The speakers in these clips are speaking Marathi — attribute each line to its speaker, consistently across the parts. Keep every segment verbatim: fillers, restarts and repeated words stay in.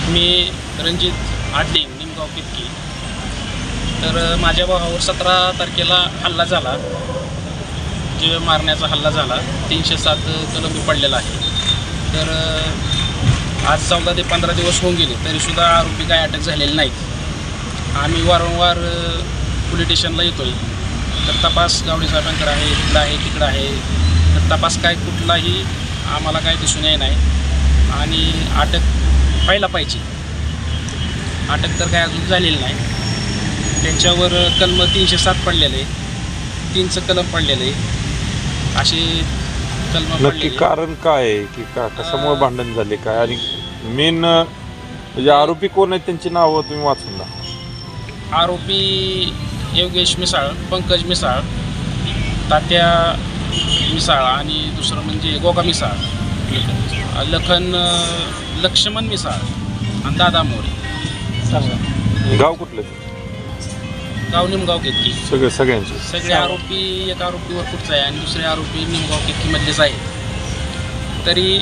Speaker 1: मी रणजित आडलिंग निमगाव कितकी. तर माझ्या भावावर सतरा तारखेला हल्ला झाला, जीव मारण्याचा हल्ला झाला. तीनशे सात कलम पडलेला आहे. तर आज चौदा ते पंधरा दिवस होऊन गेले तरीसुद्धा आरोपी काय अटक झालेले नाहीत. आम्ही वारंवार पोलीस स्टेशनला येतो आहे, तर तपास गावडे साहेबांकडे आहे, इकडं आहे, तिकडं आहे. तर तपास काय कुठलाही आम्हाला काय दिसून येत नाही आणि अटक व्हायला पाहिजे. अटक तर काय अजून झालेली नाही. त्यांच्यावर कलम तीनशे सात पडलेलं आहे, तीनचं कलम पडलेलं आहे, असे कलम
Speaker 2: नक्की
Speaker 1: पडलेले.
Speaker 2: कारण काय आहे की का कशामुळे भांडण झाले काय आणि मेन म्हणजे आरोपी कोण आहेत त्यांची नावं तुम्ही वाचून द्या.
Speaker 1: आरोपी योगेश मिसाळ, पंकज मिसाळ, तात्या मिसाळ आणि दुसरं म्हणजे गोगा मिसाळ, लखन लक्ष्मण मिसाळ आणि दादा मोरे.
Speaker 2: गाव कुठलं
Speaker 1: गाव निमगाव केतकी.
Speaker 2: सगळे सगळ्यांचे
Speaker 1: सगळे आरोपी एक आरोपीवर कुठचा आहे आणि दुसरे आरोपी निमगाव केतकीमधलेच आहेत. तरी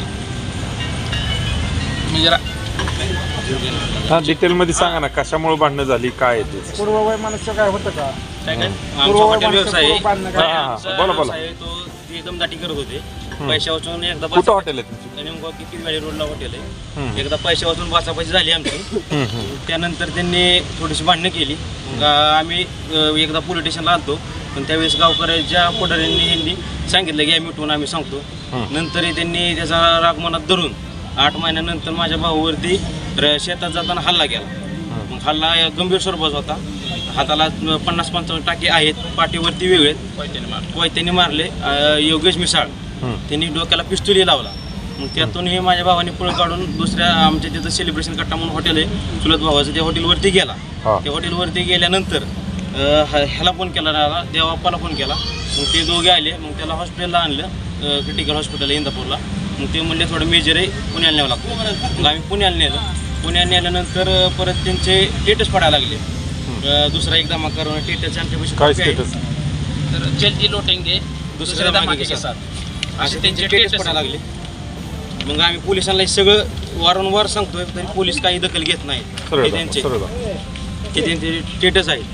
Speaker 1: म्हणजे रा-
Speaker 2: हा डिटेलमध्ये सांगा ना कशामुळे भांडणं झाली काय आहे ते.
Speaker 3: पूर्ववय मनुष्य काय होतं का?
Speaker 1: काय काय
Speaker 4: आमचा हॉटेल व्यवसाय आहे.
Speaker 2: हा, हा,
Speaker 4: आमचा
Speaker 2: बोला, बोला.
Speaker 4: व्यवसाय आहे, तो ते एकदम दाटी करत होते. पैशा वाचून एकदा
Speaker 2: कुठं हॉटेल आहे तुमचं?
Speaker 4: नेमकं किती गाडी रोडला हॉटेल आहे.
Speaker 2: हम्म.
Speaker 4: एकदा पैशा वाचून बाचाबाची झाली आमची.
Speaker 2: हम्म, हम्म.
Speaker 4: त्यानंतर त्यांनी थोडीशी भांडणं केली. मग आम्ही अ, एकदा पोलीस स्टेशनला आणतो, पण त्यावेळेस गावकऱ्याच्या पुढाऱ्यांनी यांनी सांगितलं की आम्ही उठून आम्ही सांगतो.
Speaker 2: हम्म.
Speaker 4: नंतर त्यांनी त्याचा राग मनात धरून आठ महिन्यानंतर माझ्या भाऊवरती र- शेतात जाताना हल्ला केला. मग हल्ला गंभीर स्वरूपाचा होता. हाताला पन्नास पंचावन्न टाके आहेत, पाठीवरती वेगळे कोयत्याने मारले. अ, योगेश मिसाळ
Speaker 2: हम्म.
Speaker 4: त्यांनी डोक्याला पिस्तुली लावला. मग त्यातूनही माझ्या भावाने पळ काढून दुसऱ्या आमच्या तिथं सेलिब्रेशन कट्टा म्हणून हॉटेल आहे चुलत भावाचं, त्या हॉटेलवरती गेला.
Speaker 2: हा.
Speaker 4: त्या हॉटेलवरती गेल्यानंतर अ, ह- ह्याला फोन केला, राहिला देवाप्पाला फोन केला. मग ते दोघे आले. मग त्याला हॉस्पिटलला आणलं, क्रिटिकल हॉस्पिटल इंदापूरला. मग ते म्हणले थोडं मेजर आहे, पुण्याला न्यावं लागतं. मग आम्ही पुण्याला नेलं. पुण्याला नेल्यानंतर परत त्यांचे टेटस पडायला लागले. अ, दुसरा एक धमाका करून टेटस आमच्यापाशी
Speaker 2: काय
Speaker 4: कॉपी आहे.
Speaker 2: स्टेटस
Speaker 1: तर जल्दी लोटेंगे
Speaker 4: दुसऱ्या
Speaker 1: दुसऱ्या
Speaker 4: धमाके
Speaker 1: धमाके
Speaker 4: के
Speaker 1: साथ
Speaker 4: असे
Speaker 1: असे
Speaker 4: त्यांचे
Speaker 1: त्यांचे
Speaker 4: टेटस पडायला लागले. मग आम्ही पोलिसांना हे सगळं वारंवार सांगतोय, तरी पोलीस काही दखल घेत नाहीत.
Speaker 2: सरळ
Speaker 4: हे
Speaker 2: जा,
Speaker 4: त्यांचे
Speaker 2: सरळ जा.
Speaker 4: हे त्यांचे टेटस आहे.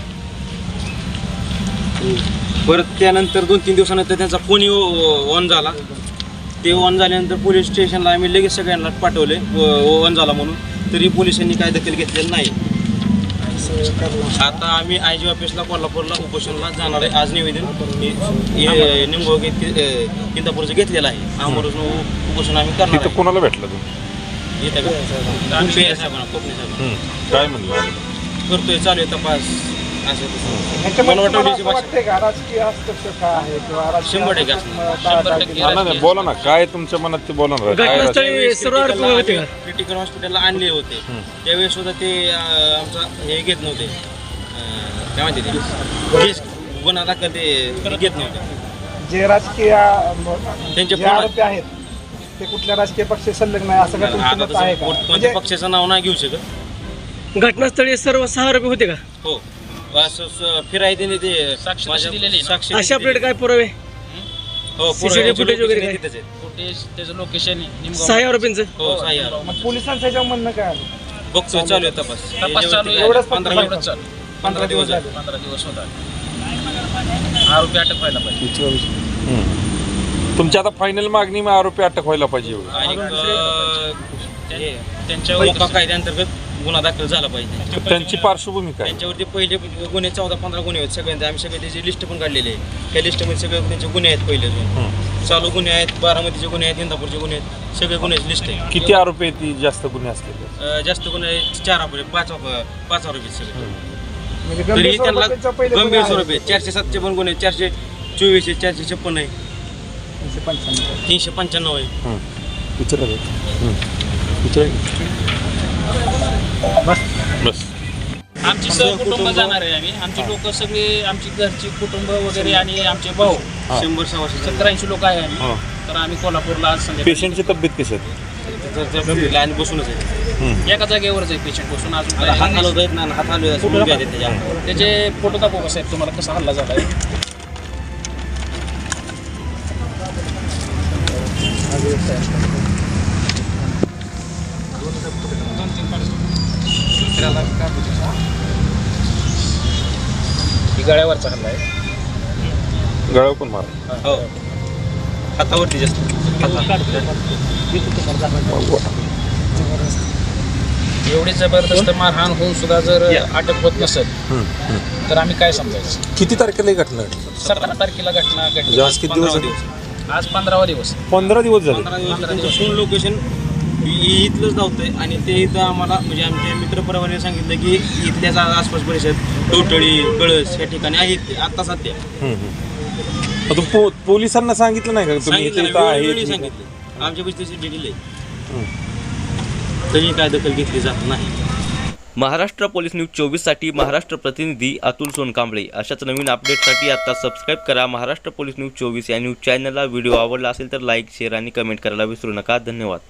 Speaker 4: परत त्यानंतर दोन तीन दिवसानंतर त्यांचा फोन ऑन झाला. ते ऑन झाल्यानंतर पोलीस स्टेशनला आम्ही लगेच सगळ्यांना पाठवले ऑन झाला म्हणून, तरी पोलिसांनी काय दखल घेतलेली नाही. आता आम्ही आय जी ऑफिसला कोल्हापूरला उपोषणला जाणार आहे. आज निवेदन निमगाव इंदापूरचं घेतलेलं आहे. आमरून उपोषण आम्ही करणार
Speaker 2: तिथं कोणाला भेटलं तुम्ही?
Speaker 4: आहे. येतं का? आम्ही साहेबांना, कोकणी साहेबांना
Speaker 2: हम्म. काय म्हणलं?
Speaker 4: करतोय, चालू आहे तपास. असं तसं
Speaker 3: ह्याच्यामध्ये
Speaker 4: मला
Speaker 3: तुम्हाला
Speaker 4: वाटतं
Speaker 3: असं वाटतंय का राजकीय हस्तक्षेप काय आहे किंवा राजकीय
Speaker 4: शंभर टक्के
Speaker 3: हस्तक्षेप,
Speaker 4: असणार.
Speaker 3: टाळाटाळ
Speaker 1: शंभर टक्के.
Speaker 3: केली?
Speaker 2: हा, नाही, नाही, बोला ना काय तुमच्या मनात ते बोला ना काय राज-
Speaker 4: त्यावेळेस क्रिटिकलला क्रिटिकल हॉस्पिटलला आणले होते. त्यावेळेस सुद्धा ते अं, आमचा हे घेत नव्हते. अं, काय म्हणते ते केस गुन्हा दाखल ते घेत नव्हते.
Speaker 3: जे राजकीय
Speaker 4: त्यांचे
Speaker 3: जे
Speaker 4: फोन-
Speaker 3: आरोपी आहेत ते कुठल्या राजकीय पक्ष संलग्न आहे असं काय तुमचं
Speaker 4: आता
Speaker 3: मत आहे
Speaker 4: तसं
Speaker 3: का?
Speaker 4: कोणत्या
Speaker 3: म्हणजे
Speaker 4: पक्षाचं नाव नाही घेऊ शकत.
Speaker 5: घटनास्थळी सर्व सहा आरोपी होते का?
Speaker 4: हो, असं स- फिराय त्यांनी ते
Speaker 1: साक्षी
Speaker 4: माझ्या-
Speaker 1: दिलेली आहे ना?
Speaker 4: साक्षी
Speaker 5: अशा
Speaker 4: दिलेली.
Speaker 5: आपल्याकडे काय पुरावे?
Speaker 4: हो,
Speaker 5: C C T V
Speaker 4: पुरावे
Speaker 5: footage वगैरे
Speaker 4: लोकेशन
Speaker 5: काय?
Speaker 4: तिथेच आहेत.
Speaker 1: फुटेज त्याचं लोकेशन
Speaker 5: सहा आरोपींचं
Speaker 4: हो, सहा आरोपी.
Speaker 3: मग पोलिसांचं ह्याच्यावर म्हणणं काय आलं?
Speaker 4: बघतोय, चालू आहे तपास.
Speaker 1: तपास चालू आहे.
Speaker 3: एवढंच फक्त
Speaker 4: पंधरा
Speaker 3: फक्त.
Speaker 4: मिनिट
Speaker 1: चालू
Speaker 4: पंधरा दिवस झाले.
Speaker 1: पंधरा दिवस होता. आरोपी अटक व्हायला पाहिजे.
Speaker 2: हम्म. तुमची आता फायनल मागणी मग आरोपी अटक व्हायला पाहिजे एवढं.
Speaker 4: आणि अं, हे
Speaker 1: त्यांच्यावर
Speaker 4: मोका कायद्याअंतर्गत गुन्हा दाखल झाला पाहिजे.
Speaker 2: तर त्यांची पार्श्वभूमी काय?
Speaker 4: त्यांच्यावरती पहिले गुन्हे चौदा पंधरा गुन्हे आहेत सगळ्यांचे. आम्ही सगळे त्याची लिस्ट पण काढलेली आहे. त्या लिस्टमध्ये सगळे त्यांचे गुन्हे आहेत. पहिले
Speaker 2: हम्म.
Speaker 4: चालू गुन्हे आहेत, बारामतीचे गुन्हे आहेत, इंदापूरचे गुन्हे आहेत, सगळे गुन्ह्याची लिस्ट आहे.
Speaker 2: किती आरोपी आहेत ती जास्त गुन्हे असलेले?
Speaker 4: अं, जास्त गुन्हे आहेत, चार आरोपी आहेत, पाच आरोपी- पाच आरोपी आहेत सगळे.
Speaker 3: म्हणजे
Speaker 4: तरी
Speaker 3: गंभीर
Speaker 4: त्यांना
Speaker 3: स्वरूपाचे पहिले गुन्हे
Speaker 4: गंभीर
Speaker 3: आहेत.
Speaker 4: स्वरूप आहे. चारशे सातचे पण गुन्हे आहेत, चारशे चोवीस आहे, चारशे छप्पन आहे,
Speaker 3: तीनशे पंच्याण्णव.
Speaker 4: तीनशे पंच्याण्णव आहे.
Speaker 2: हम्म. विचारा बरं. हम्म. विचारा. बस
Speaker 1: आमची सहकुटुंब जाणार आहे. आम्ही आमची लोक सगळे, आमची घरची कुटुंब वगैरे आणि आमचे भाऊ
Speaker 2: हा.
Speaker 4: शंभर सव्वाशे
Speaker 1: सत्तर ऐंशी लोक आहे आम्ही.
Speaker 2: हा.
Speaker 1: तर आम्ही कोल्हापूरला आज संध्याकाळी
Speaker 2: पेशंटची तब्येत कशी आहे?
Speaker 4: लाईन बसूनच आहे.
Speaker 2: हम्म.
Speaker 1: एका जागेवरच आहे पेशंट बसून. अजून
Speaker 4: आता हात
Speaker 1: काय
Speaker 4: हलवत आहेत ना, हात हलवत आहेत, मुलगी आहे त्याच्या.
Speaker 1: त्याचे फोटो दाखवा का साहेब तुम्हाला कसा हल्ला झाला आहे. दोन ही गळ्यावरचा हल्ला आहे.
Speaker 2: गळ्यावर पण मार.
Speaker 4: हो हातावरती जास्त
Speaker 1: एवढी जबरदस्त मारहाण होऊन सुद्धा जर अटक होत नसेल तर आम्ही काय समजायचं.
Speaker 2: किती तारखेला ही घटना घडली?
Speaker 1: सतरा तारखेला घटना घडली.
Speaker 2: म्हणजे आज किती दिवस झाले?
Speaker 1: आज पंधरावा दिवस.
Speaker 2: पंधरा दिवस झाले.
Speaker 4: पंधरा दिवस त्यांचं सून लोकेशन इथलंच धावतंय आणि ते इथं आम्हाला म्हणजे आमच्या मित्रपरिवाराने सांगितलं की इथल्याच आसपास परिसर टोटळी कळस या ठिकाणी आहेत आता सध्या.
Speaker 2: हम्म, हम्म. आता पो पोलिसांना सांगितलं नाही का तुम्ही इथे
Speaker 4: सांगितलं
Speaker 2: इथं
Speaker 4: वेळोवेळी
Speaker 2: आहे?
Speaker 4: सांगितलं आमच्या पैसे डिटेल आहे तरी काय दखल घेतली जात नाही.
Speaker 6: महाराष्ट्र पोलीस न्यूज चोवीससाठी महाराष्ट्र प्रतिनिधी अतुल सोनकांबळे. अशाच नवीन अपडेटसाठी आता सबस्क्राईब करा महाराष्ट्र पोलीस न्यूज चोवीस या न्यूज चॅनलला. व्हिडिओ आवडला असेल तर लाईक शेअर आणि कमेंट करायला विसरू नका. धन्यवाद.